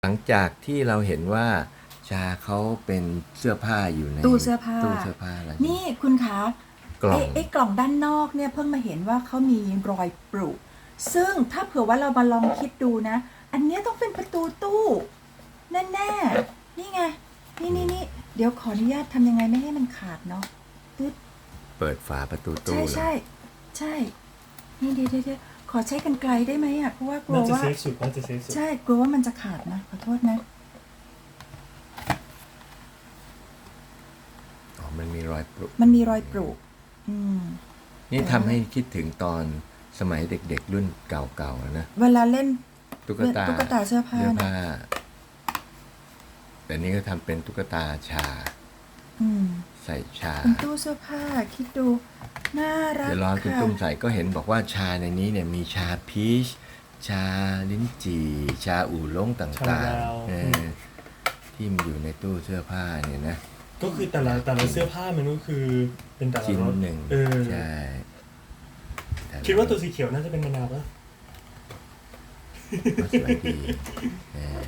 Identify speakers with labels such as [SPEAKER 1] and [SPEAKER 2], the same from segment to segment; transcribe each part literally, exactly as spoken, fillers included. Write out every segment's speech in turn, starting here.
[SPEAKER 1] หลังจากที่เราเห็นว่าชาเขาเป็นเสื้อผ้าอยู่ใน
[SPEAKER 2] ตู้เสื้อผ้า
[SPEAKER 1] ตู้เสื้อผ้าแล้ว
[SPEAKER 2] นี่คุณคะ
[SPEAKER 1] กล่อง
[SPEAKER 2] ไอ้ไอ้กล่องด้านนอกเนี่ยเพิ่งมาเห็นว่าเขามีรอยปรุซึ่งถ้าเผื่อว่าเรามาลองคิดดูนะ อันเนี้ยต้องเป็นประตูตู้แน่ๆนี่ไง นี่นี่นี่เดี๋ยวขออนุญาตทำยังไงไม่ให้มันขาดเนาะตึ๊ด
[SPEAKER 1] เปิดฝาประตูตู้
[SPEAKER 2] ใช่
[SPEAKER 1] เลย
[SPEAKER 2] ใช่ใช่ นี่เดี๋ยวเดี๋ยวเดี๋ยวขอใช้กรรไกรได้ไหมอ่ะเพราะว่ากลั
[SPEAKER 3] น่าว จะ
[SPEAKER 2] ว่า
[SPEAKER 3] เซฟสุดน่าจะเซฟสุด
[SPEAKER 2] ใช่กลัวว่ามันจะขาดนะขอโทษนะ
[SPEAKER 1] อ๋อมันมีรอยปรุ
[SPEAKER 2] มันมีรอยปรุอืม
[SPEAKER 1] นี่ทำให้คิดถึงตอนสมัยเด็กๆรุ่นเก่าๆนะ
[SPEAKER 2] เวลาเล่น
[SPEAKER 1] ตุ๊กตา
[SPEAKER 2] ตุ๊กตาเสื้อผ้า
[SPEAKER 1] เสื้อ
[SPEAKER 2] นะ
[SPEAKER 1] ผ้าแต่นี่ก็ทำเป็นตุ๊กตาชา
[SPEAKER 2] อืม
[SPEAKER 1] ใส่ชา
[SPEAKER 2] เป็นตู้เสื้อผ้าคิดดูน่ารัก
[SPEAKER 1] เดี๋ยวรอคุณ
[SPEAKER 2] ค่ะ
[SPEAKER 1] ตุ้มใส่ก็เห็นบอกว่าชาในนี้เนี่ยมีชาพีชชาลิ้นจี่ชาอู่ล้งต
[SPEAKER 3] ชา
[SPEAKER 1] ่าง
[SPEAKER 3] ลาว
[SPEAKER 1] ๆเออที่มันอยู่ในตู้เสื้อผ้าเนี่ยนะ
[SPEAKER 3] ก็คือแต่ละแต่ละเสื้อผ้ามันก็คือเป็นแต่ละ
[SPEAKER 1] ชิ้น
[SPEAKER 3] รส
[SPEAKER 1] หนึ่ง
[SPEAKER 3] เออ
[SPEAKER 1] ใช่แต่
[SPEAKER 3] คิดว่าตัวสีเขียวน่าจะเป็นมะนาวปะ
[SPEAKER 1] ก็สวยดีเออ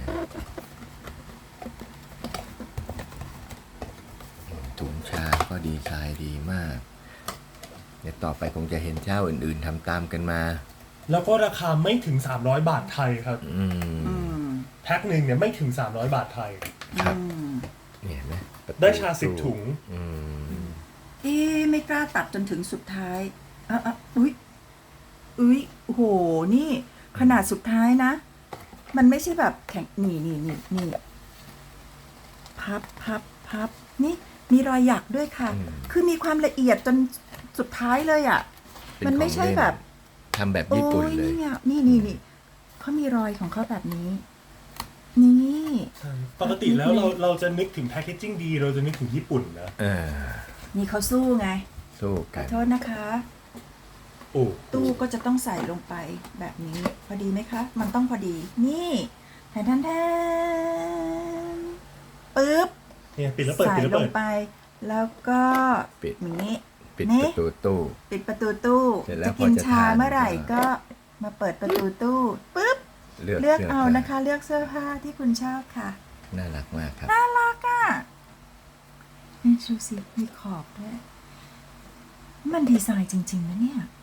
[SPEAKER 1] ถุงชาก็ดีไซน์ดีมาก เดี๋ยวต่อไปคงจะเห็นเจ้าอื่นๆทำตามกันมา
[SPEAKER 3] แล้วก็ราคาไม่ถึงสามร้อยบาทไทยครับ
[SPEAKER 1] อืม
[SPEAKER 2] อืม
[SPEAKER 3] แพ็คหนึ่งเนี่ยไม่ถึงสามร้อยบาทไทย
[SPEAKER 1] ครับ
[SPEAKER 2] อืม
[SPEAKER 1] เนี่ยเห็นไหมประตู
[SPEAKER 3] ได้ชาสิบถุง
[SPEAKER 1] อืม
[SPEAKER 2] เอ๊ะไม่กล้าตัดจนถึงสุดท้ายอ่ะอ่ะอุ้ยอุ้ยโอ้โหนี่ ขนาดสุดท้ายนะ มันไม่ใช่แบบแข็งนี่นี่นี่นี่พับพับพับนี่มีรอยหยักด้วยค่ะ
[SPEAKER 1] อืม
[SPEAKER 2] คือมีความละเอียดจนสุดท้ายเลยอ่ะ
[SPEAKER 1] เป็น
[SPEAKER 2] มันไม่ใช่
[SPEAKER 1] ของเล่น
[SPEAKER 2] แบบ
[SPEAKER 1] ทำแบบ
[SPEAKER 2] โอ้
[SPEAKER 1] ญี่ปุ่น
[SPEAKER 2] ย
[SPEAKER 1] เลย
[SPEAKER 2] นี่ไงนี่นี่นี่เขามีรอยของเขาแบบนี้ นี่
[SPEAKER 3] ปกติแล้วเราเราจะนึกถึงแพคเกจจิ้งดี เราจะนึกถึงญี่ปุ่นนะ
[SPEAKER 1] เออ
[SPEAKER 2] นี่เขาสู้ไง
[SPEAKER 1] สู้
[SPEAKER 2] ข
[SPEAKER 1] กั
[SPEAKER 2] อน โทษนะคะ
[SPEAKER 3] โอ้
[SPEAKER 2] ตู้ก็จะต้องใส่ลงไปแบบนี้ พอดีไหมคะ มันต้องพอดี นี่แทนแทนแทนปึ๊บ
[SPEAKER 3] เนี่ยปิดแล้วเปิด
[SPEAKER 2] ใส่
[SPEAKER 3] ปิดแล้ว
[SPEAKER 2] ล
[SPEAKER 3] เปิ
[SPEAKER 2] ง
[SPEAKER 3] ด
[SPEAKER 2] ไป แล้วก็
[SPEAKER 1] ปิด
[SPEAKER 2] อย่างนี้
[SPEAKER 1] ปิด
[SPEAKER 2] นี่
[SPEAKER 1] ประตูตู้
[SPEAKER 2] ปิดประตูตู้
[SPEAKER 1] เสร็จแล้ว
[SPEAKER 2] จะกิน
[SPEAKER 1] พอจะ
[SPEAKER 2] ชา
[SPEAKER 1] ทาน
[SPEAKER 2] เมื่อไหร่
[SPEAKER 1] ก็
[SPEAKER 2] ก็มาเปิดประตูตู้ปึ๊บ
[SPEAKER 1] เลือก
[SPEAKER 2] เลือก
[SPEAKER 1] สื้
[SPEAKER 2] เอา
[SPEAKER 1] ผ้
[SPEAKER 2] นะคะ เลือกเสื้อผ้าที่คุณชอบค่ะ
[SPEAKER 1] น่ารักมากครับ
[SPEAKER 2] น่ารักอ่ะนี่ดูสิมีขอบด้วย มันดีไซน์จริงๆนะเนี่ย